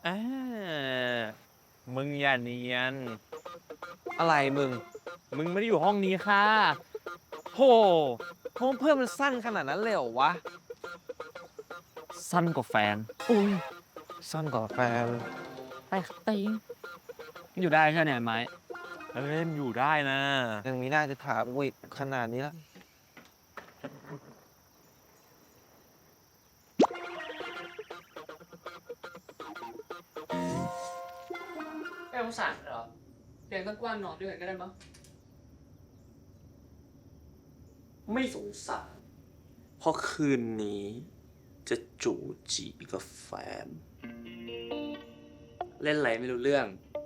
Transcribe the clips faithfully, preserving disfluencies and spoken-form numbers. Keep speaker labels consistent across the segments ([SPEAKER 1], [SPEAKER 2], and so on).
[SPEAKER 1] อ่ามึงอย่าเนียน
[SPEAKER 2] อะไรมึง
[SPEAKER 1] มึงไม่ได้อยู่ห้องนี้ค่ะ
[SPEAKER 2] โหห้องเพื่อนมันสั้นขนาดนั้นเลยเหรอวะ
[SPEAKER 1] สั้นกว่าแฟน
[SPEAKER 2] อุ้ยสั้นกว่าแฟน
[SPEAKER 1] ไปตีอยู่ได้แค่ไหนไหมเล่นอยู่ได้นะ
[SPEAKER 2] ยังมีหน้าจะถามวิขนาดนี้ละ
[SPEAKER 3] ไม่สงสารเหรอเตียงตั้งกว้างนอนด้วยกันก็ได้มั้งไม่สงสารเพราะคืนนี้จะจูจีกับแฟน เล่นอะไรไม่รู้เรื่อง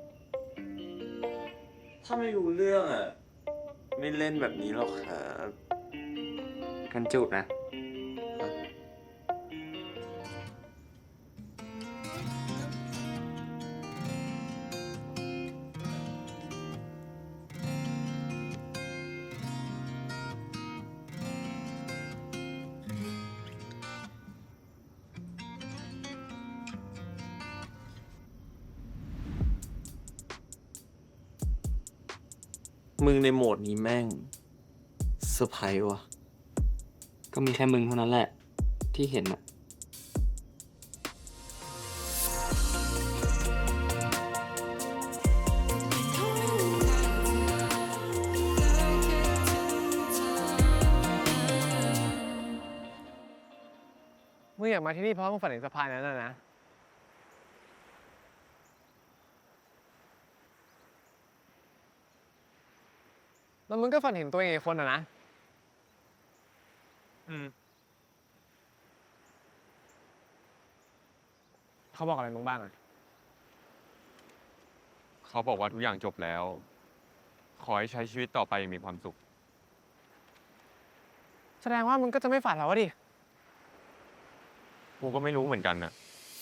[SPEAKER 3] ถ้าไม่รู้เรื่องอ่ะ ไม่เล่นแบบนี้หรอกครับกันจูบนะ มึงในโหมดนี้แม่งเซอร์ไพรส์วะก็มีแค่มึงเท่านั้นแหละ ที่เห็นอะ
[SPEAKER 2] มึงอยากมาที่นี่เพราะมึงฝันเห็นสะพานนั้นนะนะ แล้วมึงก็ฝันเห็นตัวเองอีกคนอะนะ
[SPEAKER 1] อืม
[SPEAKER 2] เขาบอกอะไรมึงบ้างอะ
[SPEAKER 4] เขาบอกว่าทุกอย่างจบแล้ว ขอให้ใช้ชีวิตต่อไปอย่างมีความสุข
[SPEAKER 2] แสดงว่ามึงก็จะไม่ฝันแล้ววะดิ
[SPEAKER 4] กูก็ไม่รู้เหมือนกันนะ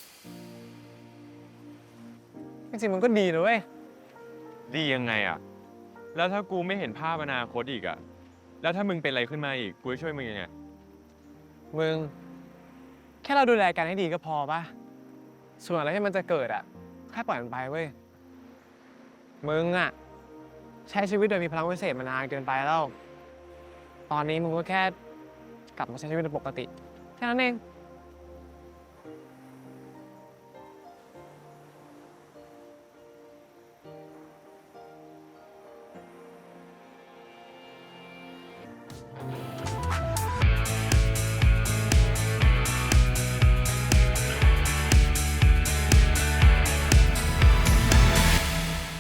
[SPEAKER 2] จริงๆมึงก็ดีนะเว้ย
[SPEAKER 4] ดียังไงอะแล้วถ้ากูไม่เห็นภาพอนาคตอีกอะแล้วถ้ามึงเป็นอะไรขึ้นมาอีก กูจะช่วยมึงยังไง
[SPEAKER 2] มึง แค่เราดูแลกันให้ดีก็พอป่ะ ส่วนอะไรที่มันจะเกิดอะแค่ปล่อยมันไปเว้ย มึงอะใช้ชีวิตโดยมีพลังวิเศษมานานเกินไปแล้ว ตอนนี้มึงก็แค่กลับมาใช้ชีวิตเป็นปกติ แค่นั้นเอง